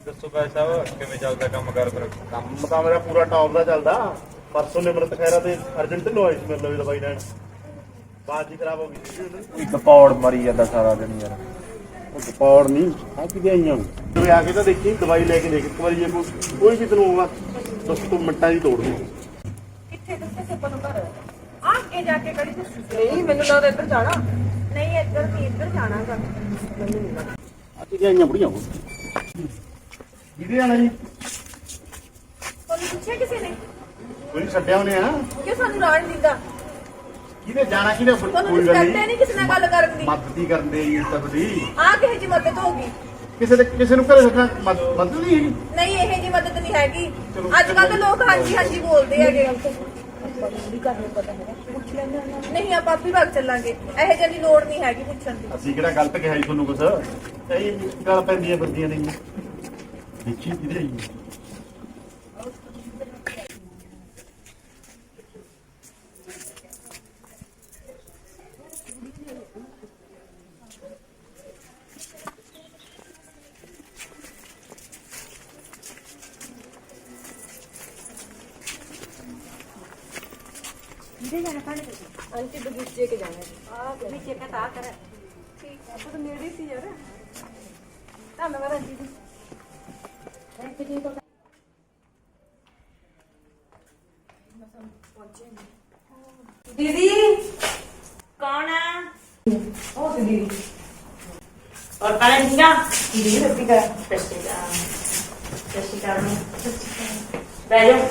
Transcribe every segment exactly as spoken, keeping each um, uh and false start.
ਦੱਸੋ ਭਾਈ ਸਾਹਿਬ ਕਿਵੇਂ ਚੱਲਦਾ ਕੰਮ ਕਰ ਫਿਰ? ਕੰਮ ਤਾਂ ਮੇਰਾ ਪੂਰਾ ਟੌਪ ਦਾ ਚੱਲਦਾ। ਪਰਸੋਂ ਨਿਮਰਤ ਖੈਰਾ ਤੇ ਅਰਜੈਂਟ ਨੂੰ ਆਈ ਸੀ ਮੇਰੇ ਲਈ ਦਵਾਈ ਲੈਣ, ਬਾਤ ਜੀ ਖਰਾਬ ਹੋ ਗਈ ਸੀ ਉਹਦੀ। ਇੱਕ ਪੌੜ ਮਰੀ ਜਾਂਦਾ ਸਾਰਾ ਦਿਨ ਯਾਰ। ਉਹ ਪੌੜ ਨਹੀਂ ਆ ਕਿਤੇ ਆਈਆਂ ਤੂੰ ਆ ਕੇ ਤਾਂ ਦੇਖੀ, ਦਵਾਈ ਲੈ ਕੇ ਦੇਖ ਇੱਕ ਵਾਰੀ, ਜੇ ਕੋਈ ਕੋਈ ਵੀ ਤੈਨੂੰ ਆਊਗਾ ਦਸ ਤੋਂ ਮਿੰਟਾਂ ਦੀ ਤੋੜ ਦੂੰ। ਕਿੱਥੇ ਦੱਸੇ ਸੱਪਾਂ ਨੂੰ ਘਰ ਆ ਅੱਗੇ ਜਾ ਕੇ ਕੜੀ ਦੱਸੀ ਨਹੀਂ ਮੈਨੂੰ ਲੱਗਦਾ ਇੱਧਰ ਜਾਣਾ ਨਹੀਂ ਇੱਧਰ ਨਹੀਂ ਇੱਧਰ ਜਾਣਾ ਗਾ ਮੈਨੂੰ ਨਹੀਂ ਲੱਗਦਾ ਆ ਕਿਤੇ ਆਈਆਂ ਬੁੜੀਆਂ ਉਹ ਕਿਹਦੇ ਆਣਾ ਜੀ? ਤੁਹਾਨੂੰ ਪੁੱਛਿਆ ਕਿਸੇ ਨੇ ਕੋਈ ਛੱਡਿਆ ਉਹਨੇ ਆ ਕਿ ਸਾਨੂੰ ਰਾਣ ਦਿੰਦਾ ਕਿਹਦੇ ਜਾਣਾ ਕਿਹਦੇ ਤੁਹਾਨੂੰ ਕੋਈ ਗੱਲ ਕਰਦੇ ਨਹੀਂ, ਨਹੀਂ ਕਿਸੇ ਨਾਲ ਗੱਲ ਕਰਨ ਦੀ ਮਦਦ ਹੀ ਕਰਨ ਦੇ ਜੀ ਤੱਕ ਦੀ ਆ ਕਿਸੇ ਦੀ ਮਦਦ ਹੋਗੀ ਕਿਸੇ ਦੇ ਕਿਸੇ ਨੂੰ ਘਰੇ ਰੱਖਣਾ ਮਦਦ ਨਹੀਂ ਹੈਗੀ। ਨਹੀਂ ਇਹ ਜੀ ਮਦਦ ਨਹੀਂ ਹੈਗੀ। ਅੱਜ ਕੱਲ ਤਾਂ ਲੋਕ ਹਾਂਜੀ ਹਾਂਜੀ ਬੋਲਦੇ ਹੈਗੇ ਨਹੀਂ ਆਪਾਂ ਆਪੀ ਭਾਗ ਚੱਲਾਂਗੇ, ਇਹੋ ਜਿਹੀ ਦੀ ਲੋੜ ਨਹੀਂ ਹੈਗੀ ਪੁੱਛਣ ਦੀ। ਅਸੀਂ ਕਿਹੜਾ ਗਲਤ ਕਿਹਾ ਜੀ ਤੁਹਾਨੂੰ ਕੁਛ, ਇਹ ਗੱਲ ਪੈਂਦੀਆਂ ਫਿਰਦੀਆਂ ਨੇ ਦੇਖੀ ਕਿਹਦੇ ਆਈ ਆਂਟੀ ਬਗੀਚੇ ਕੇ ਜਾਣਾ ਹੈ ਆ ਬਗੀਚੇ ਕਾ ਤਾ ਕਰ ਠੀਕ ਹੈ ਤਾਂ ਨੇੜੇ ਸੀ ਯਾਰ ਧੰਨਵਾਦ ਆਂਟੀ ਜੀ। ਥੈਂਕ ਯੂ ਜੀ। दीदी कौन है? ओ दीदी और कौन है दीदा? दीदी सत्ती का सस्तिका सस्तिका में बैठ जाओ।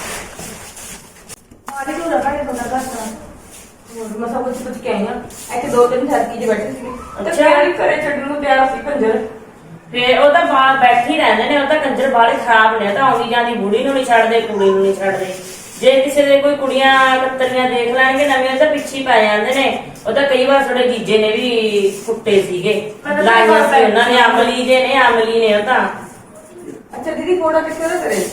आने को रखा है बंदा का सा और मसा कुछ कुछ कहेंगे ऐसे दो तीन साल की जो बैठे थे तो प्यार ही करे छड्डन ਨੂੰ ਪਿਆਰ ਸੀ ਕੰਜਰ ਫੇਰ ਉਹ ਤਾਂ ਬਾਹਰ ਬੈਠੇ ਹੀ ਰਹਿੰਦੇ ਨੇ, ਉਹ ਤਾਂ ਕੰਜਰ ਬਾਲੇ ਖਰਾਬ ਨੇ, ਤਾਂ ਆਉਂਦੀ ਜਾਂਦੀ ਬੁੜੀ ਨੂੰ ਨਹੀਂ ਛੱਡਦੇ, ਕੁੜੀ ਨੂੰ ਨਹੀਂ ਛੱਡਦੇ। ਜੇ ਕਿਸੇ ਦੇ ਕੋਈ ਕੁੜੀਆਂ ਕਤਰੀਆਂ ਦੇਖ ਲੈਣਗੇ ਨਵੀਆਂ ਤਾਂ ਪਿੱਛੇ ਪੈ ਜਾਂਦੇ ਨੇ। ਉਹ ਤਾਂ ਕਈ ਵਾਰ ਸਾਡੇ ਜੀਜੇ ਨੇ ਵੀ ਕੁੱਟੇ ਸੀਗੇ, ਲਾਈਆਂ ਸੀ ਉਹਨਾਂ ਨੇ, ਅਮਲੀ ਜੇ ਨੇ, ਅਮਲੀ ਨੇ ਉਹ ਤਾਂ। अच्छा दीदी फोड़ा किसके ना करे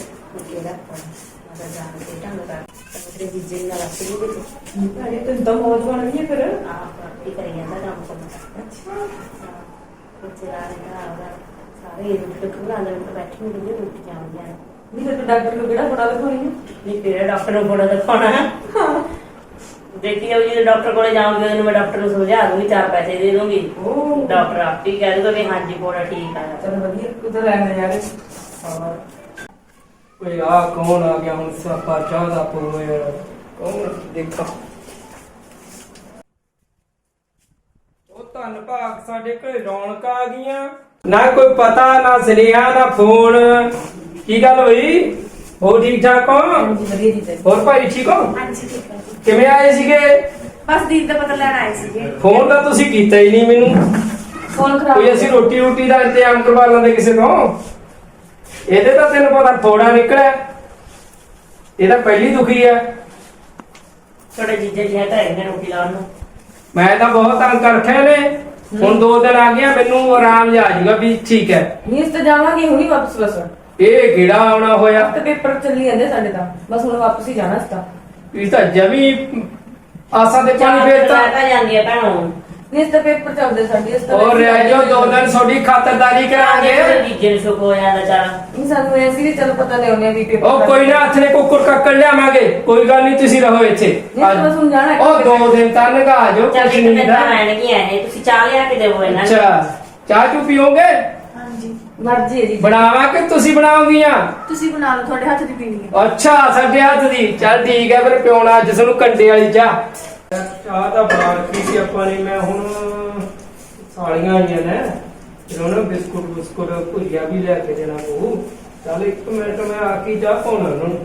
ਜੀਜੇ ਨਾਲ ਰੱਖੀ ਵੀ अरे तो दम मौज बन गई है फिर ਆਪ ਆਪੀ ਕਰੀ ਜਾਂਦਾ ਕੰਮ ਕਰਨਾ। अच्छा ਬੱਚੇ ਆ ਰਹੇ ਆ ਸਾਰੇ ਰੁੱਟ ਕੇ ਆਂਦੇ ਨੇ, ਬੈਠੇ ਹੁੰਦੇ ਨੇ, ਰੁੱਟ ਜਾਂਦੀਆਂ ਨੇ। नहीं तो डॉक्टर को केड़ा फोड़ा दिखाई है ਨਹੀਂ ਫਿਰ ਡਾਕਟਰ ਨੂੰ ਫੋੜਾ ਦਿਖਾਉਣਾ ਹੈ। ਦੇਖੀ ਉਹ ਜੀ ਡਾਕਟਰ ਕੋਲੇ ਜਾਊਂਗੀ, ਉਹਨੂੰ ਮੈਂ ਡਾਕਟਰ ਨੂੰ ਸਮਝਾ ਦੂੰਗੀ, ਚਾਰ ਪੈਸੇ ਦੇ ਦੂੰਗੀ, ओ ਡਾਕਟਰ ਆਪ ਹੀ ਕਹਿ ਦੂਗਾ ਵੀ ਹਾਂਜੀ ਫੋੜਾ ਠੀਕ ਆ। चल बढ़िया उधर रहने यार ਓਏ ਆ ਕੌਣ ਆ ਗਿਆ ਹੁਣ? ਸਾਪਾ ਚਾਹ ਦਾ ਪੋਏ ਕੌਣ ਦੇਖਾ। ਉਹ ਧੰਨ ਭਾਗ ਸਾਡੇ ਘਰੇ ਰੌਣਕਾਂ ਆ ਗਈਆਂ, ਨਾ ਕੋਈ ਪਤਾ ਨਾ ਸੁਨੇਹਾ ਨਾ ਫੋਨ। ਕੀ ਗੱਲ ਹੋਈ? ਹੋ ਠੀਕ ਠਾਕ ਹੋ? जी बढ़िया जी ਹੋਰ ਭਾਈ ਠੀਕ ਹੋ? ਹਾਂਜੀ ਠੀਕ ਹੈ ਕਿਵੇਂ ਆਏ ਸੀਗੇ? ਬਸ ਦੀਦੀ ਦਾ ਪਤਾ ਲੈਣ ਆਏ ਸੀਗੇ। ਫੋਨ ਤਾਂ ਤੁਸੀਂ ਕੀਤਾ ਹੀ ਨਹੀਂ ਮੈਨੂੰ। ਫੋਨ ਖਰਾਬ ਕੋਈ ਅਸੀਂ ਰੋਟੀ ਰੋਟੀ ਦਾ ਇੰਤਜ਼ਾਮ ਕਰਵਾ ਲੈਂਦੇ ਕਿਸੇ ਤੋਂ। ਇਹਦੇ ਤਾਂ ਤੈਨੂੰ ਪਤਾ ਥੋੜਾ ਨਿਕਲਿਆ, ਇਹ ਤਾਂ ਪਹਿਲੀ ਦੁਖੀ ਆ। ਤੁਹਾਡੇ ਜੀਜੇ ਜੀ ਤਾਂ ਹੈਗੇ ਨੇ ਰੋਟੀ ਲਾਉਣ ਨੂੰ। ਮੈਂ ਤਾਂ ਬਹੁਤ ਤੰਗ ਕਰ ਰੱਖਿਆ ਨੇ, ਹੁਣ ਦੋ ਦਿਨ ਆ ਗਿਆ, ਮੈਨੂੰ ਆਰਾਮ ਜਿਹਾ ਆ ਜਾਊਗਾ ਵੀ ਠੀਕ ਹੈ। ਨਹੀਂ ਇਸ ਤੇ ਜਾਵਾਂਗੇ ਹੁਣੀ ਵਾਪਸ ਬਸ ਇਹ ਕਿਹੜਾ ਆਉਣਾ ਹੋਇਆ? ਤੇ ਪੇਪਰ ਚੱਲੀ ਜਾਂਦੇ ਸਾਡੇ ਤਾਂ ਬਸ ਹੁਣ ਵਾਪਸ ਹੀ ਜਾਣਾ ਇਸ ਤਾਂ ਇਹ ਤਾਂ ਜਮੀ ਆਸਾਂ ਦੇ ਪਾਣੀ ਫੇਰ ਤਾਂ। ਤਾਂ ਜਾਂਦੀ ਆ ਭੈਣੋ। ਨਹੀਂ ਇਸ ਤਾਂ ਪੇਪਰ ਚੱਲਦੇ ਸਾਡੇ ਇਸ ਤਾਂ ਔਰ ਰਹਿ ਜਾਓ ਦੋ ਦਿਨ, ਤੁਹਾਡੀ ਖਾਤਰਦਾਰੀ ਕਰਾਂਗੇ। ਜੀਜੇ ਨੂੰ ਸੁੱਖ ਹੋ ਜਾਂਦਾ ਚਾਰਾ। ਨਹੀਂ ਸਾਨੂੰ ਐਸੀ ਵੀ ਚੱਲ ਪਤਾ ਨਹੀਂ ਉਹਨੇ ਵੀ ਪੇਪਰ ਉਹ ਕੋਈ ਨਾ, ਹੱਥ ਨੇ ਕੁੱਕਰ ਕੱਕੜ ਲਿਆਵਾਂਗੇ, ਕੋਈ ਗੱਲ ਨਹੀਂ, ਤੁਸੀਂ ਰਹੋ ਇੱਥੇ। ਨਹੀਂ ਤਾਂ ਹੁਣ ਜਾਣਾ ਉਹ ਦੋ ਦਿਨ ਤਾਂ ਲੰਘਾ ਜਾਓ, ਚੱਲ ਕੁਛ ਇੱਕ ਨਹੀਂ ਦਿਨ ਦਾ। ਤਾਂ ਰਹਿਣਗੀਆਂ ਇਹ, ਤੁਸੀਂ ਚਾਹ ਲਿਆ ਕੇ ਦੇਵੋ ਇਹਨਾਂ ਨੂੰ। ਅੱਛਾ ਚਾਹ ਚੂ ਪੀਓਗੇ? ਹਾਂਜੀ ਮਰਜ਼ੀ ਹੈ ਜੀ ਬਣਾਵਾ ਕਿ ਤੁਸੀਂ ਬਣਾਓਗੀਆਂ? ਤੁਸੀਂ ਬਣਾ ਲਓ, ਤੁਹਾਡੇ ਹੱਥ ਦੀ ਪੀਣੀ ਹੈ। ਅੱਛਾ ਸਾਡੇ ਹੱਥ ਦੀ, ਚੱਲ ਠੀਕ ਹੈ ਫਿਰ ਪਿਉਣਾ ਅੱਜ ਸਾਨੂੰ ਕੰਡੇ ਵਾਲੀ ਚਾਹ। ਚਾਹ ਤਾਂ ਬਣਾ ਰੱਖੀ ਸੀ ਆਪਾਂ ਨੇ, ਮੈਂ ਹੁਣ ਸਾਲੀਆਂ ਆਈਆਂ ਨੇ, ਫਿਰ ਉਹਨਾਂ ਬਿਸਕੁਟ ਬਿਸਕੁਟ ਭੁਜੀਆ ਵੀ ਲੈ ਕੇ ਦੇਣਾ ਪਊ। ਚੱਲ ਇੱਕ ਮਿੰਟ ਮੈਂ ਆ ਕੇ ਚਾਹ ਪਾਉਣਾ ਉਹਨਾਂ ਨੂੰ।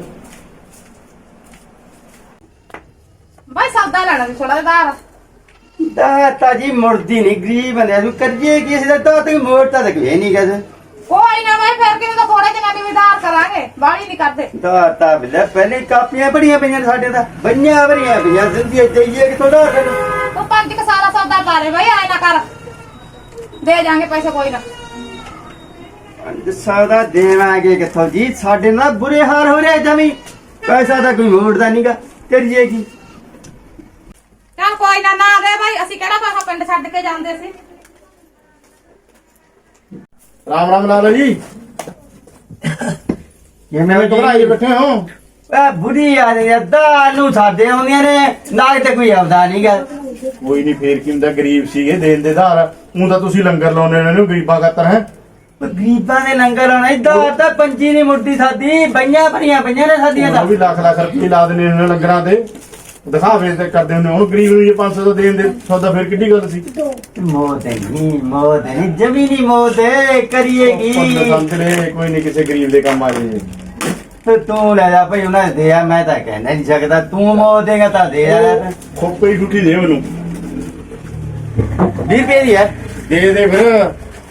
भाई सौदा लेना भी थोड़ा दार दाता जी मुड़दी नहीं गरीब बंदे तू करिए किसी दा तो तक मोड़ता तक है नहीं कद कोई ना भाई फिर के तो थोड़े दिनों की भी दार करांगे बाड़ी नहीं करते दाता बिल्ला पहले कापियां बड़ियां पईयां साडे दा बन्नियां भरियां पईयां जिंदगी चाहिए कि थोड़ा तो पांच का सारा सौदा पा रहे भाई आए ना कर दे जाएंगे पैसे कोई ना सौदा देवांगे किथों जी साडे ना बुरे हाल हो रहे जमी पैसा तो कोई मोड़दा नहींगा करिए की चल कोई ना ना दे भाई असि केड़ा पैसा पिंड छड्ड के जांदे सी राम राम लाला जी। ਕਿਵੇਂ ਮੈਂ ਘਬਰਾਏ ਬੈਠੇ ਹੋ ਆ ਬੁੜੀ ਆ ਰਹੀ ਆ ਦਾਲੂ ਸਾਡੇ ਆਉਂਦੀਆਂ ਨੇ ਨਾਗ ਤੇ ਕੋਈ ਆਉਂਦਾ ਨਹੀਂਗਾ। ਕੋਈ ਨਹੀਂ ਫੇਰ ਕੀ ਹੁੰਦਾ ਗਰੀਬ ਸੀਗੇ ਦੇਣ ਦੇ ਧਾਰ ਉਹ ਤਾਂ ਤੁਸੀਂ ਲੰਗਰ ਲਾਉਣੇ ਨੇ ਨੂੰ ਗਰੀਬਾਂ ਖਾਤਰ ਹੈ ਗਰੀਬਾਂ ਦੇ ਲੰਗਰ ਆਉਣਾ ਇਦਾਂ ਤਾਂ ਪੰਜੀ ਨਹੀਂ ਮੁੱਢੀ ਸਾਡੀ ਬਈਆਂ ਭਰੀਆਂ ਪਈਆਂ ਨੇ ਸਾਡੀਆਂ ਉਹ ਤਾਂ ਵੀ ਲੱਖ ਲੱਖ ਰੁਪਏ ਲਾ ਦਿੰਦੇ ਨੇ ਲੰਗਰਾਂ ਤੇ ਦਿਖਾਵੇ ਤੇ ਕਰਦੇ ਹੁੰਦੇ ਹੁਣ ਗਰੀਬ ਨੂੰ ਜੇ ਪੰਜ ਸੌ ਦਾ ਦੇਣ ਦੇ ਸੌਦਾ ਫੇਰ ਕਿੱਡੀ ਗੱਲ ਸੀ ਮੌਤ ਨਹੀਂ ਮੌਤ ਨਹੀਂ ਜ਼ਮੀਨੀ ਮੌਤ ਹੈ ਕਰੀਏਗੀ ਸੰਤਰੇ ਕੋਈ ਨਹੀਂ ਕਿਸੇ ਗਰੀਬ ਦੇ ਕੰਮ ਆ ਜੇ ਤੇ ਤੂੰ ਲੈ ਜਾ ਭਾਈ ਉਹਨਾਂ ਦੇ ਆ ਮੈਂ ਤਾਂ ਕਹਿ ਨਹੀਂ ਸਕਦਾ ਤੂੰ ਮੌਤ ਦੇਗਾ ਤਾਂ ਦੇ ਯਾਰ ਖੋਪੇ ਹੀ ਠੁੱਠੀ ਦੇ ਮੈਨੂੰ ਵੀਹ ਰੁਪਏ ਦੀ ਹੈ ਦੇ ਦੇ ਫਿਰ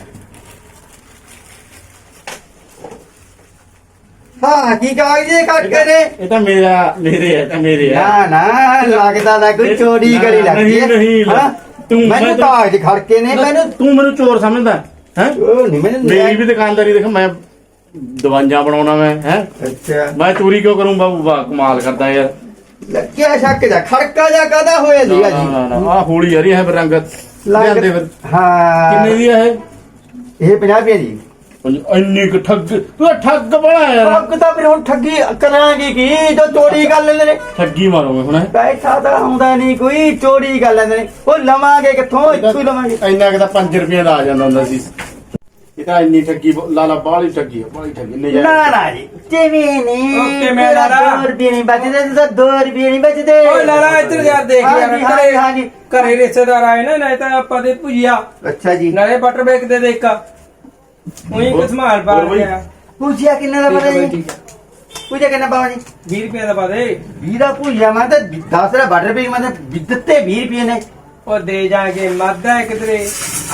ਹਾਂ ਕੀ ਕਾਗਜ਼ ਜੇ ਕੱਟ ਕੇ ਨੇ ਇਹ ਤਾਂ ਮੇਰਾ ਮੇਰੇ ਹੈ ਤਾਂ ਮੇਰੇ ਨਾ ਨਾ ਲੱਗਦਾ ਤਾਂ ਕੋਈ ਚੋਰੀ ਕਰੀ ਲੱਗਦੀ ਹੈ ਨਹੀਂ, ਨਹੀਂ, ਹਾਂ? ਤੂੰ- ਮੈਨੂੰ ਮੈਂ- ਕਾਗਜ਼ ਖੜ ਕੇ ਨੇ ਮੈਨੂੰ ਤੂੰ ਮੈਨੂੰ ਚੋਰ ਸਮਝਦਾ ਹੈ ਉਹ ਨਹੀਂ ਮੈਨੂੰ ਮੇਰੀ ਵੀ ਦੁਕਾਨਦਾਰੀ ਦੇਖ ਮੈਂ ਦਵਾਈਆਂ ਬਣਾਉਣਾ ਮੈਂ ਹੈ ਅੱਛਾ ਮੈਂ ਚੋਰੀ ਕਿਉਂ ਕਰੂੰ ਬਾਬੂ ਵਾਹ ਕਮਾਲ ਕਰਦਾ ਯਾਰ ਲੱਗਿਆ ਸ਼ੱਕ ਜਾ ਖੜਕਾ ਜਾ ਕਾਦਾ ਹੋਇਆ ਸੀਗਾ ਜੀ ਆ ਹੋਲੀ ਯਾਰੀ ਹੈ ਬਰੰਗਤ ਲਿਆਂਦੇ ਫਿਰ ਹਾਂ ਕਿੰਨੇ ਦੀ ਹੈ ਇਹ ਪੰਜਾਹ ਰੁਪਏ ਦੀ ਇਹ ਇੰਨੀ ਕੁ ਠੱਗ ਤੂੰ ਤਾਂ ਠੱਗ ਬੜਾ ਯਾਰ ਠੱਗ ਤਾਂ ਫਿਰ ਹੁਣ ਠੱਗੀ ਕਰਾਂਗੇ ਕੀ ਜੋ ਚੋਰੀ ਕਰ ਲੈਂਦੇ ਨੇ ਠੱਗੀ ਮਾਰੂਗੇ ਹੁਣ ਪੈਸਾ ਤਾਂ ਆਉਂਦਾ ਨਹੀਂ ਕੋਈ ਚੋਰੀ ਕਰ ਲੈਂਦੇ ਨੇ ਉਹ ਲਵਾਂਗੇ ਕਿੱਥੋਂ ਇੱਥੋਂ ਹੀ ਲਵਾਂਗੇ ਇੰਨਾ ਕਿ ਤਾਂ ਪੰਜ ਰੁਪਏ ਲਾ ਜਾਂਦਾ ਹੁੰਦਾ ਸੀ ਇਹ ਤਾਂ ਇੰਨੀ ਠੱਗੀ ਲਾਲਾ ਬਾਹਲੀ ਠੱਗੀ ਹੈ ਬਾਹਲੀ ਠੱਗੀ ਨਹੀਂ ਨਾ ਨਾ ਜੀ ਜਿਵੇਂ ਨਹੀਂ ਓਕੇ, ਮੈਂ ਲਾਲਾ। ਦੋ ਰੁਪਏ ਨਹੀਂ ਬਚਦੇ ਤਾਂ ਦੋ ਰੁਪਏ ਨਹੀਂ ਬਚਦੇ ਓਏ ਲਾਲਾ ਇੱਧਰ ਯਾਰ ਦੇਖ ਯਾਰ ਹਾਂਜੀ, ਹਾਂਜੀ, ਹਾਂਜੀ। ਘਰੇ ਘਰੇ ਰਿਸ਼ਤੇਦਾਰ ਆਏ ਨਾ ਨਹੀਂ ਤਾਂ ਆਪਾਂ ਦੇ ਭੁਜੀਆ ਅੱਛਾ ਜੀ ਨਾਲੇ ਬਟਰ ਬੇਕ ਦੇ ਦੇ ਇੱਕ ਉਹੀ ਹੋਰ- ਕਸਮਾਲ ਪਾ ਹੋਰ ਬਈ? ਗਿਆ ਪੂਜਿਆ ਕਿੰਨਾ ਦਾ ਪਤਾ ਜੀ ਠੀਕ ਹੈ ਪੂਜਿਆ ਕਿੰਨਾ ਪਾਵਾ ਜੀ ਵੀਹ ਰੁਪਏ ਦਾ ਪਾ ਦੇ ਵੀਹ ਦਾ ਪੂਜਿਆ ਮੈਂ ਤਾਂ ਦਸ ਦਾ ਬਟਰ ਵੀ ਮੈਂ ਤਾਂ ਦਿੱਤੇ ਵੀਹ ਰੁਪਏ ਨੇ ਉਹ ਦੇ ਜਾਗੇ ਮਾਦਾ ਕਿਧਰੇ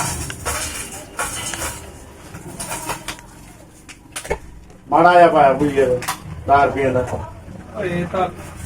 ਮਾੜਾ ਆ ਪਾਇਆ ਬੁਈ ਯਾਰ ਚਾਰ ਰੁਪਏ ਦਾ ਓਏ ਤਾਂ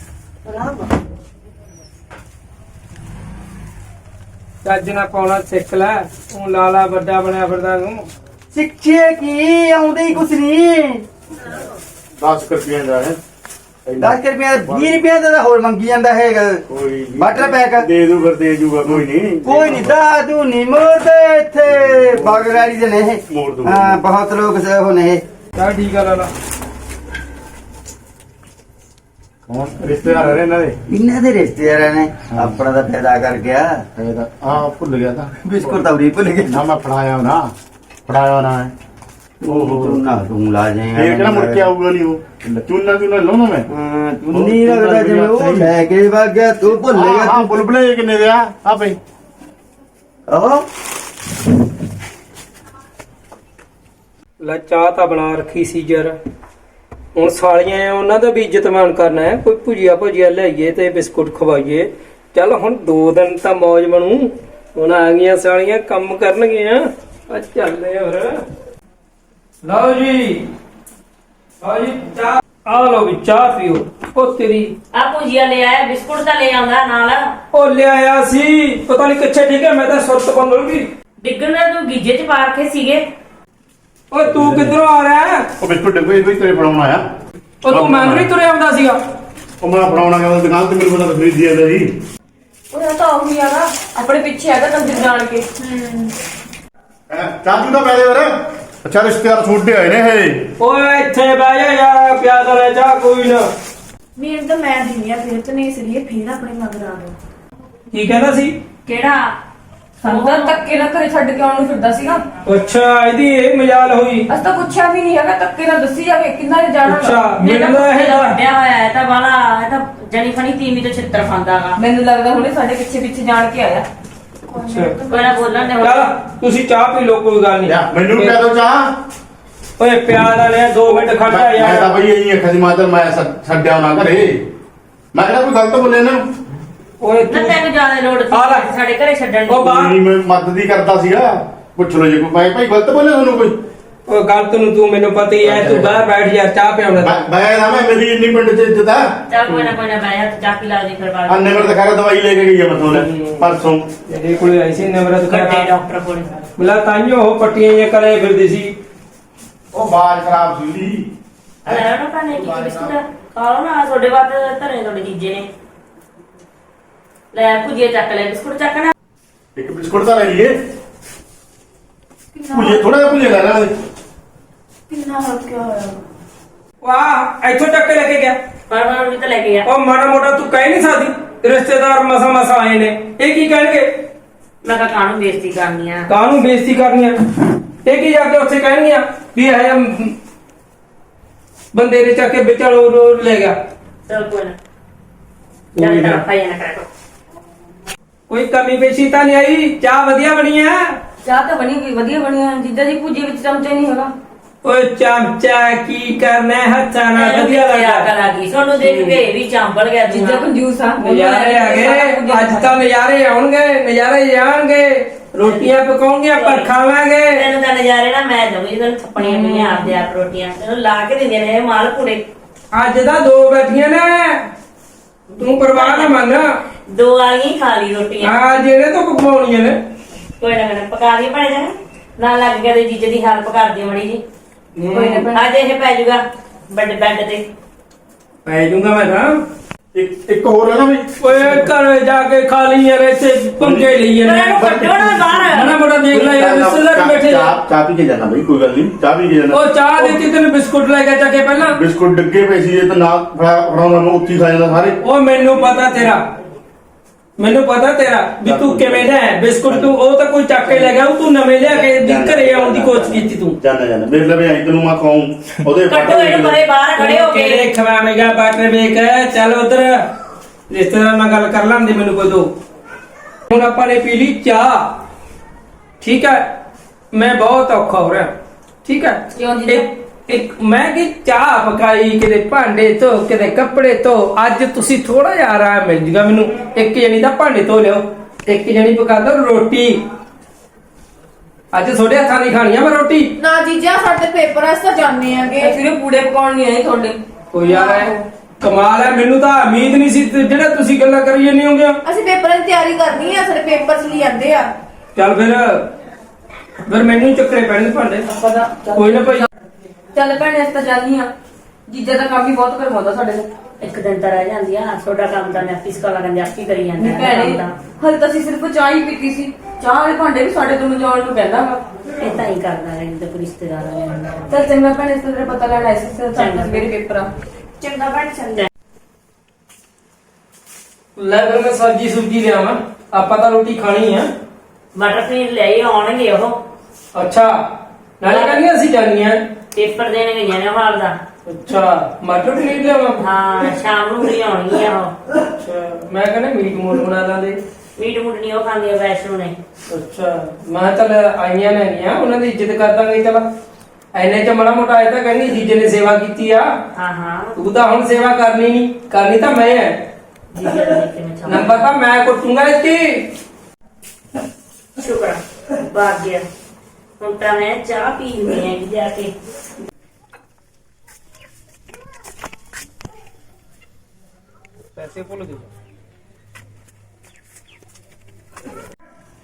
ਚੱਜ ਨਾ ਪਾਉਣਾ ਸਿੱਖ ਲੈ ਉਹ ਲਾਲਾ ਵੱਡਾ ਬਣਿਆ ਫਿਰਦਾ ਤੂੰ ਸਿੱਖੇ ਕੀ ਆਉਂਦੇ ਹੀ ਕੁਛ ਨਹੀਂ ਦਸ ਰੁਪਏ ਦਾ ਹੈ ਦਸ ਰੁਪਏ ਦਾ ਵੀਹ ਰੁਪਏ ਦਾ ਤਾਂ ਹੋਰ ਮੰਗੀ ਜਾਂਦਾ ਹੈਗਾ ਕੋਈ ਨੀ। ਬਟਰ ਪੈਕ ਦੇ ਦੂ ਫਿਰ ਦੇ ਜੂਗਾ ਕੋਈ ਨਹੀਂ ਕੋਈ ਨਹੀਂ ਦਾਦੂ ਨਹੀਂ ਮੋਦੇ ਇੱਥੇ ਬਾਗਰਾੜੀ ਦੇ ਨੇ ਇਹ। ਮੋੜ ਦੂਗਾ। ਹਾਂ ਬਹੁਤ ਲੋਕ ਸੇ ਉਹ ਨੇ ਚੱਲ ਠੀਕ ਆ ਲਾਲਾ ਹੁਣ ਰਿਸ਼ਤੇਦਾਰ ਆ ਰਹੇ ਇਹਨਾਂ ਦੇ ਇਹਨਾਂ ਦੇ ਰਿਸ਼ਤੇਦਾਰਾਂ ਨੇ ਆਪਣਾ ਤਾਂ ਫਾਇਦਾ ਕਰ ਗਿਆ ਇਹ ਤਾਂ ਆ ਭੁੱਲ ਗਿਆ ਤਾਂ ਬਿਸਕੁਟ ਤਾਂ ਉਰੀ ਭੁੱਲ ਗਏ ਨਾ ਮੈਂ ਫੜਾਇਆ ਨਾ ਫੜਾਇਆ ਨਾ ਓਹੋ ਤੂੰ ਨਾ ਤੂੰ ਲਾ ਜਾਏਗਾ ਇਹ ਕਿਹੜਾ ਮੁੜ ਕੇ ਆਊਗਾ ਨਹੀਂ ਉਹ ਚੁੰਨਾ ਚੁੰਨਾ ਲਾਉਣਾ ਮੈਂ ਹਾਂ ਤੂੰ ਨਹੀਂ ਲੱਗਦਾ ਜਿਵੇਂ ਉਹ ਲੈ ਕੇ ਵਗ ਗਿਆ ਤੂੰ ਭੁੱਲ ਹਾਂ ਗਿਆ ਹਾਂ ਬੁਲਬੁਲੇ ਕਿੰਨੇ ਦੇ ਆ ਆ ਪਈ ਆਹੋ ਲੈ ਚਾਹ ਤਾਂ ਬਣਾ ਰੱਖੀ ਸੀ ਯਾਰ ਹੁਣ ਸਾਲੀਆਂ ਆ ਉਹਨਾਂ ਦਾ ਵੀ ਇੱਜ਼ਤਮਾਨ ਕਰਨਾ ਹੈ ਕੋਈ ਭੁਜੀਆ ਭੁਜੀਆ ਲਿਆਈਏ ਤੇ ਬਿਸਕੁਟ ਖਵਾਈਏ ਚੱਲ ਹੁਣ ਦੋ ਦਿਨ ਤਾਂ ਮौज ਬਣੂ ਹੁਣ ਆ ਗਈਆਂ ਸਾਲੀਆਂ ਕੰਮ ਕਰਨਗੀਆਂ ਆ ਚੱਲਦੇ ਹੋਰ ਲਓ ਜੀ ਲਓ ਜੀ ਚਾਹ ਆ ਲਓ ਵੀ ਚਾਹ ਪੀਓ ਉਹ ਤੇਰੀ ਆ ਭੁਜੀਆ ਲੈ ਆਇਆ ਬਿਸਕੁਟ ਤਾਂ ਲੈ ਆਉਂਦਾ ਨਾਲ ਉਹ ਲਿਆਇਆ ਸੀ ਪਤਾ ਨਹੀਂ ਕਿੱਥੇ ਠੀਕ ਹੈ ਮੈਂ ਤਾਂ ਸੁਰਤ ਬੰਦ ਹੋ ਗਈ ਡਿੱਗਣ ਦਾ ਤੂੰ ਗੀਜੇ ਚ ਪਾ ਰੱਖੇ ਸੀਗੇ ਓਏ ਤੂੰ ਕਿੱਧਰੋਂ ਆ ਰਿਹਾ ਹੈ? ਉਹ ਬਿਸਕੁਟ ਡੱਬੇ ਕੋਈ ਤੇਰੇ ਬਣਾਉਣਾ ਆ ਉਹ ਤੂੰ ਮੈਨੂੰ ਨਹੀਂ ਤੁਰਿਆ ਆਉਂਦਾ ਸੀਗਾ ਉਹ ਮੈਂ ਬਣਾਉਣਾ ਕਹਿੰਦਾ ਦੁਕਾਨ ਤੇ ਮੈਨੂੰ ਪਤਾ ਖਰੀਦੀ ਜਾਂਦਾ ਜੀ ਉਹ ਤਾਂ ਉਹੀ ਆ ਨਾ ਆਪਣੇ ਪਿੱਛੇ ਹੈਗਾ ਕੰਜਰ ਜਾਣ ਕੇ ਚਾਚੂ ਦਾ ਪੈਦੇ ਵਰ ਅੱਛਾ ਰਿਸ਼ਤੇਦਾਰ ਛੋਟੇ ਹੋਏ ਨੇ ਇਹ ਓਏ ਇੱਥੇ ਬਹਿ ਜਾ ਯਾਰ ਪਿਆ ਤਾਂ ਲੈ ਜਾ ਕੋਈ ਨਾ ਮੇਰੇ ਤਾਂ ਮੈਂ ਦਿੰਦੀ ਆ ਫਿਰ ਤੇ ਨਹੀਂ ਸਰੀਏ ਫਿਰ ਆਪਣੇ ਮਗਰ ਆ ਦੋ ਕੀ ਕਹਿੰਦਾ ਸੀ ਕਿਹੜਾ ਉਹਦਾ ਧੱਕੇ ਨਾਲ ਘਰੇ ਛੱਡ ਕੇ ਆਉਣ ਨੂੰ ਫਿਰਦਾ ਸੀਗਾ ਅੱਛਾ ਇਹਦੀ ਇਹ ਮਜਾਲ ਹੋਈ ਅਸ ਤਾਂ ਪੁੱਛਿਆ ਵੀ ਨਹੀਂ ਹੈਗਾ ਧੱਕੇ ਨਾਲ ਦੱਸੀ ਜਾਵੇ ਕਿੰਨਾ ਨੇ ਜਾਣਾ ਅੱਛਾ ਮੇਰਾ ਮੈਨੂੰ ਇਹ ਇਹ ਵੱਡਿਆ ਹੋਇਆ ਹੈ ਤਾਂ ਵਾਲਾ ਇਹ ਤਾਂ ਜਣੀ ਫਣੀ ਤੀਵੀਂ ਤੋਂ ਛਿੱਤਰ ਖਾਂਦਾਗਾ ਮੈਨੂੰ ਲੱਗਦਾ ਹੁਣੇ ਸਾਡੇ ਪਿੱਛੇ ਪਿੱਛੇ ਜਾਣ ਕੇ ਆਇਆ ਅੱਛਾ ਕੋਈ ਨਾ ਬੋਲਣ ਦੇ ਚੱਲ ਤੁਸੀਂ ਚਾਹ ਪੀ ਲਓ ਕੋਈ ਗੱਲ ਨਹੀਂ ਲਿਆ ਮੈਨੂੰ ਕਹਿ ਦੋ ਚਾਹ ਓਏ ਪਿਆਰ ਵਾਲਿਆ ਦੋ ਮਿੰਟ ਖੜ ਜਾ ਮੈਂ ਤਾਂ ਯਾਰ ਬਈ ਇਹੀ ਅੱਖਾਂ ਦੀ ਮਾਤਰ ਮੈਂ ਛੱਡ- ਛੱਡਿਆ ਨਾ ਘਰੇ ਮੈਂ ਕਿਹੜਾ ਕੋਈ ਗਲਤ ਬੋਲੇ ਨਾ ਓਏ ਨਾ ਤੂੰ ਤੈਨੂੰ ਜ਼ਿਆਦਾ ਲੋੜ ਆ ਲੈ। ਸੀ ਸਾਡੇ ਘਰੇ ਛੱਡਣ ਉਹ ਦੀ ਬਾਹਰ ਨਹੀਂ ਮੈਂ ਮਦਦ ਹੀ ਕਰਦਾ ਸੀਗਾ ਪੁੱਛ ਲਓ ਜੇ ਕੋਈ ਭਾਈ ਭਾਈ ਗਲਤ ਬੋਲੇ ਤੁਹਾਨੂੰ ਕੋਈ ਓਏ ਗਲਤ ਨੂੰ ਤੂੰ ਮੈਨੂੰ ਪਤਾ ਹੀ ਹੈ ਤੂੰ ਬਾਹਰ ਬੈਠ ਯਾਰ ਚਾਹ ਪਿਆਉਣਾ ਮੈਂ ਮੈਂ ਨਾ ਮੈਂ ਮੇਰੀ ਇੰਨੀ ਪਿੰਡ ਚ ਇੱਜ਼ਤ ਆ ਚੱਲ ਕੋਈ ਨਾ ਕੋਈ ਨਾ ਬੈ ਹੱਥ ਚਾਪੀ ਲਾ ਦੇ ਫਿਰ ਬਾਅਦ ਅੰਨੇ ਮੇਰੇ ਦਿਖਾ ਕੇ ਦਵਾਈ ਲੈ ਕੇ ਗਈ ਆ ਮਤੋਂ ਲੈ ਪਰਸੋਂ ਇਹਦੇ ਕੋਲੇ ਆਈ ਸੀ ਨਵਰਤ ਵੱਡੇ ਕਰਾ ਡਾਕਟਰ ਕੋਲ ਮਿਲਾ ਤਾਈਓ ਉਹ ਪੱਟੀਆਂ ਜਿਹੀਆਂ ਕਰੇ ਫਿਰਦੀ ਸੀ ਉਹ ਬਾਜ ਖਰਾਬ ਸੀ ਉਹਦੀ ਲੈ ਨਾ ਪਾਣੇ ਕੀ ਬਿਸਕੁਟ ਖਾ ਲਓ ਨਾ ਤੁਹਾਡੇ ਬਾਅਦ ਧਰੇ ਤੁਹਾਡੇ ਜੀਜੇ ਨੇ ਲੈ ਭੁਜੀਆ ਚੱਕ ਲੈ ਬਿਸਕੁਟ ਚੱਕਣਾ ਇੱਕ ਬਿਸਕੁਟ ਤਾਂ ਲੈ ਲਈਏ ਭੁੱਲੇ ਥੋੜਾ ਜਿਹਾ ਭੁੱਲੇ ਲੈ ਲੈ ਕਿੰਨਾ ਹਲਕਾ ਹੋਇਆ ਵਾਹ ਇੱਥੋਂ ਚੱਕ ਕੇ ਲੈ ਕੇ ਗਿਆ। ਪਰਵਾਨ ਵੀ ਤਾਂ ਲੈ ਕੇ ਗਿਆ। ਉਹ ਮਾੜਾ ਮੋਟਾ ਤੂੰ ਕਹਿ ਨਹੀਂ ਸਕਦੀ, ਰਿਸ਼ਤੇਦਾਰ ਮਸਾ ਮਸਾ ਆਏ ਨੇ, ਇਹ ਕੀ ਕਹਿਣਗੇ? ਮੈਂ ਕਿਹਾ ਕਾਹਨੂੰ ਬੇਇੱਜ਼ਤੀ ਕਰਨੀ ਆ। ਕਾਹਨੂੰ ਬੇਇੱਜ਼ਤੀ ਕਰਨੀ ਆ? ਇਹ ਕੀ ਜਾ ਕੇ ਉੱਥੇ ਕਹਿਣਗੀਆਂ ਵੀ ਇਹ ਬੰਦੇ ਨੇ ਚੱਕ ਕੇ ਵਿਚਾਲੋ ਲੈ ਗਿਆ। ਚਲ ਕੋਈ ਨਾ, ਕੋਈ ਚੱਲ ਨਾ। ਤਾਂ ਭਾਈ ਨਾ ਕਰੋ। ਕੋਈ ਕਮੀ ਪੇਸ਼ੀ ਤਾਂ ਨਹੀਂ ਆਈ? ਚਾਹ ਵਧੀਆ ਬਣੀ ਆ? ਚਾਹ ਤਾਂ ਬਣੀ ਗਈ, ਵਧੀਆ ਬਣੀ ਆ। ਜੀਜਾ ਜੀ ਭੁੱਜੀ ਵਿੱਚ ਚਮਚੇ ਨਹੀਂ ਹੈਗਾ। ਓਏ ਚਮਚਾ ਕੀ ਕਰਨਾ ਹੈ, ਹੱਥਾਂ ਨਾਲ ਵਧੀਆ ਲੱਗਦਾ। ਲੱਗੀ ਤੁਹਾਨੂੰ ਦੇਖ ਕੇ ਇਹ ਵੀ ਚਾਂਬਲ ਗਿਆ। ਜੀਜਾ ਕੰਜੂਸ ਆ। ਨਜ਼ਾਰੇ ਆ ਗਏ ਅੱਜ ਤਾਂ, ਨਜ਼ਾਰੇ ਆਉਣਗੇ, ਨਜ਼ਾਰੇ ਜਾਣਗੇ। ਰੋਟੀਆਂ ਪਕਾਉਂਗੀਆਂ ਪਰ ਖਾਵਾਂਗੇ। ਤੈਨੂੰ ਤਾਂ ਨਜ਼ਾਰੇ ਨਾ ਮੈਂ ਦਊਂਗੀ, ਤੈਨੂੰ ਥੱਪਣੀਆਂ ਪਈਆਂ ਆਪਦੇ ਆਪ ਰੋਟੀਆਂ ਤੈਨੂੰ ਲਾ ਕੇ ਦਿੰਦੇ ਨੇ ਇਹ ਮਾਲ ਪੂਰੇ। ਅੱਜ ਤਾਂ ਦੋ ਬੈਠੀਆਂ ਨੇ, ਤੂੰ ਪਰਵਾਹ ਨਾ ਮੰਨ। ਦੋ ਆ ਗਈ ਖਾ ਲਈ ਰੋਟੀਆਂ। ਆ ਜਿਹੜੇ ਤੋਂ ਪਕਾਉਣੀਆਂ ਨੇ। ਕੋਈ ਨਾ ਮੈਂ ਪਕਾ ਦੀ ਭਣੇ ਜਾਣਾ ਨਾਲ ਲੱਗ ਗਿਆ ਤੇ ਜੀਜੇ ਦੀ ਹੈਲਪ ਕਰਦੀ ਮੜੀ ਜੀ। ਕੋਈ ਨਾ ਅੱਜ ਇਹ ਪੈ ਜਾਊਗਾ ਬੈੱਡ ਬੈੱਡ ਤੇ ਪੈ ਜਾਊਗਾ ਮੈਂ ਤਾਂ। ਇੱਕ ਇੱਕ ਹੋਰ ਹੈ ਨਾ ਬਈ, ਓਏ ਘਰ ਜਾ ਕੇ ਖਾ ਲਈ ਯਾਰ, ਇੱਥੇ ਪੰਗੇ ਲਈ ਪਰ ਨੇ। ਇਹਨੂੰ ਕੱਢੋ ਨਾ ਬਾਹਰ। ਮਾੜਾ ਮੋਟਾ ਦੇਖ ਲੈ ਯਾਰ, ਰਿਸ਼ਤੇਦਾਰ ਬੈਠੇ ਨੇ। ਚਾਹ ਚਾਹ ਪੀ ਕੇ ਜਾਣਾ ਬਈ, ਕੋਈ ਗੱਲ ਨਹੀਂ, ਚਾਹ ਪੀ ਕੇ ਜਾਣਾ। ਉਹ ਚਾਹ ਦਿੱਤੀ ਤੈਨੂੰ, ਬਿਸਕੁਟ ਲੈ ਕੇ ਚੱਕੇ ਪਹਿਲਾਂ। ਬਿਸਕੁਟ ਡੱਗੇ ਪਏ ਸੀ, ਇਹ ਤਾਂ ਨਾ ਫੜਾਉਂਦਾ ਮੈਂ ਉੱਥੇ ਹੀ ਖਾ ਜਾਂਦਾ ਸਾਰੇ। ਉਹ ਮੈਨੂੰ ਪਤਾ ਤੇਰਾ, ਮੈਨੂੰ ਪਤਾ ਤੇਰਾ ਵੀ ਤੂੰ ਕਿਵੇਂ ਦਾ ਹੈ। ਬਿਸਕੁਟ ਤੂੰ ਉਹ ਤਾਂ ਕੋਈ ਚੱਕ ਕੇ ਲੈ ਗਿਆ, ਉਹ ਤੂੰ ਨਵੇਂ ਲਿਆ ਕੇ ਵੀ ਘਰੇ ਆਉਣ ਦੀ ਕੋਸ਼ਿਸ਼ ਕੀਤੀ ਤੂੰ। ਜਾਣਾ ਜਾਣਾ ਮੇਰੇ ਲਵੇ ਆਈ ਤੈਨੂੰ ਮੈਂ ਖਾਉਂ ਉਹਦੇ ਕੱਢੋ ਇਹਨੂੰ ਪਰੇ ਬਾਹਰ ਖੜੇ ਹੋ ਕੇ। ਕਿਹੜੇ ਖਵਾਵੇਂਗਾ ਬਾਟਰ ਵੇਖ। ਚੱਲ ਉਧਰ ਰਿਸ਼ਤੇਦਾਰ ਨਾਲ ਗੱਲ ਕਰ ਲਾਂਦੇ ਮੈਨੂੰ ਕੋਈ ਦੋ। ਹੁਣ ਆਪਾਂ ਨੇ ਪੀ ਲਈ ਚਾਹ, ਠੀਕ ਹੈ। ਮੈਂ ਬਹੁਤ ਔਖਾ ਹੋ ਰਿਹਾ, ਠੀਕ ਹੈ। ਕਿਉਂ ਜੀ? ਇੱਕ ਇੱਕ ਮੈਂ ਕਿ ਚਾਹ ਪਕਾਈ, ਕਿਤੇ ਭਾਂਡੇ ਧੋ, ਕਿਤੇ ਕੱਪੜੇ ਧੋ। ਅੱਜ ਤੁਸੀਂ ਥੋੜਾ ਜਿਹਾ ਆਰਾਮ ਮਿਲ ਜੂਗਾ ਮੈਨੂੰ। ਇੱਕ ਜਣੀ ਤਾਂ ਭਾਂਡੇ ਧੋ ਲਿਓ, ਇੱਕ ਜਣੀ ਪਕਾ ਦੋ ਰੋਟੀ। ਅੱਜ ਤੁਹਾਡੇ ਹੱਥਾਂ ਦੀ ਖਾਣੀ ਆ ਮੈਂ ਰੋਟੀ। ਨਾ ਜੀਜਾ ਸਾਡੇ ਪੇਪਰ ਐ ਤਾਂ ਜਾਣੇ ਆਗੇ। ਫਿਰ ਪੂੜੇ ਪਕਾਉਣ ਨਹੀਂ ਆਏ ਤੁਹਾਡੇ। ਕੋਈ ਯਾਰ ਹੈ ਕਮਾਲ ਹੈ, ਮੈਨੂੰ ਤਾਂ ਉਮੀਦ ਨਹੀਂ ਸੀ ਤੇ ਜਿਹੜਾ ਤੁਸੀਂ ਗੱਲਾਂ ਕਰੀ ਜਾਂਦੇ ਹੋਗੇ। ਅਸੀਂ ਪੇਪਰਾਂ ਦੀ ਤਿਆਰੀ ਕਰਨੀ ਆ, ਸਾਡੇ ਪੇਪਰ ਚ ਲਈ ਜਾਂਦੇ ਆ। ਚੱਲ ਫਿਰ ਫਿਰ ਮੈਨੂੰ ਹੀ ਚੱਕਰੇ ਪੈਣਗੇ ਭਾਂਡੇ। ਪਤਾ ਕੋਈ ਨਾ ਭਾਈ। ਚੱਲ ਭੈਣੇ ਇਸ ਤਾਂ ਜਾਨੀ ਆ। ਜੀਜਾ ਦਾ ਕੰਮ ਵੀ ਬਹੁਤ ਕਰਵਾਉਂਦਾ ਸਾਡੇ ਤੋਂ। ਇੱਕ ਦਿਨ ਤਾਂ ਰਹਿ ਜਾਂਦੀ ਆ ਤੁਹਾਡਾ ਕੰਮ ਤਾਂ ਮੈਂ ਆਫਿਸ ਕਾਲਾ ਕਹਿੰਦੇ ਆਪੀ ਕਰੀ ਜਾਂਦਾ ਨਹੀਂ ਭੈਣੇ, ਹਲੇ ਤਾਂ ਅਸੀਂ ਸਿਰਫ ਚਾਹ ਹੀ ਪੀਤੀ ਸੀ। ਚਾਹ ਵਾਲੇ ਭਾਂਡੇ ਵੀ ਸਾਡੇ ਤੋਂ ਮਜਾਉਣ ਨੂੰ ਕਹਿੰਦਾ ਵਾ। ਇਹ ਤਾਂ ਹੀ ਕਰਦਾ ਹੈ ਜਦੋਂ ਕੋਈ ਰਿਸ਼ਤੇਦਾਰ ਆ ਜਾਂਦਾ। ਚੱਲ ਚੰਗਾ ਭੈਣੇ, ਇਸ ਤੋਂ ਤੇਰਾ ਪਤਾ ਲੈਣਾ ਸੀ। ਚੰਗਾ ਮੇਰੇ ਪੇਪਰ ਆ। ਚੰਗਾ ਬਣ ਚੰਗਾ। ਲੈ ਫਿਰ ਮੈਂ ਸਬਜੀ ਸੁਬਜੀ ਲਿਆਵਾਂ, ਆਪਾਂ ਤਾਂ ਰੋਟੀ ਖਾਣੀ ਆ। ਮਟਰ ਪਨੀਰ ਲਿਆਈ ਆਉਣਗੇ ਉਹ। ਅੱਛਾ ਨਾਲੇ ਕਹਿੰਦੇ ਅਸੀਂ ਜਾਣੀਆਂ। ਪੇਪਰ ਦੇਣ ਗਈਆਂ ਨੇ ਹਾਲ ਦਾ। ਅੱਛਾ ਮਟਰ ਪਨੀਰ ਲਿਆਵਾਂ। ਹਾਂ ਸ਼ਾਮ ਨੂੰ ਵੀ ਆਉਣਗੀਆਂ ਉਹ। ਅੱਛਾ ਮੈਂ ਕਹਿੰਦਾ ਮੀਟ ਮੋਲ ਬਣਾ ਲਾਂਦੇ। ਮੀਟ ਮੂਟ ਨਹੀਂ ਉਹ ਖਾਂਦੀ ਆ ਵੈਸ਼ਨੂ ਨੇ। ਅੱਛਾ ਮੈਂ ਚੱਲ ਆਈਆਂ ਨੇ ਗੀਆਂ, ਉਹਨਾਂ ਦੀ ਇੱਜ਼ਤ ਕਰ ਦਾਂਗੇ। ਚੱਲ ਐਨੇ ਚ ਮਾੜਾ ਮੋਟਾ ਆਇਆ ਤਾਂ ਕਹਿੰਦੀ ਜੀਜੇ ਨੇ ਸੇਵਾ ਕੀਤੀ ਆ। ਹਾਂ ਹਾਂ ਤੂੰ ਤਾਂ ਹੁਣ ਸੇਵਾ ਕਰਨੀ ਨਹੀਂ, ਕਰਨੀ ਤਾਂ ਮੈਂ ਹੈ। ਜੀਜੇ ਨੂੰ ਦੇਖ ਕੇ ਮੈਂ ਚਾਹਾਂ। ਨੰਬਰ ਤਾਂ ਮੈਂ ਕੁੱਟੂੰਗਾ ਇੱਥੇ। ਸ਼ੁਕਰ ਬਾਗ ਗਿਆ। ਹੁਣ ਤਾਂ ਮੈਂ ਚਾਹ ਪੀਣੀ ਹੈ ਜਾ ਕੇ। ਪੈਸੇ ਭੁੱਲ ਗਏ।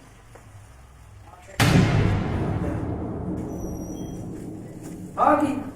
ਆ ਕੀ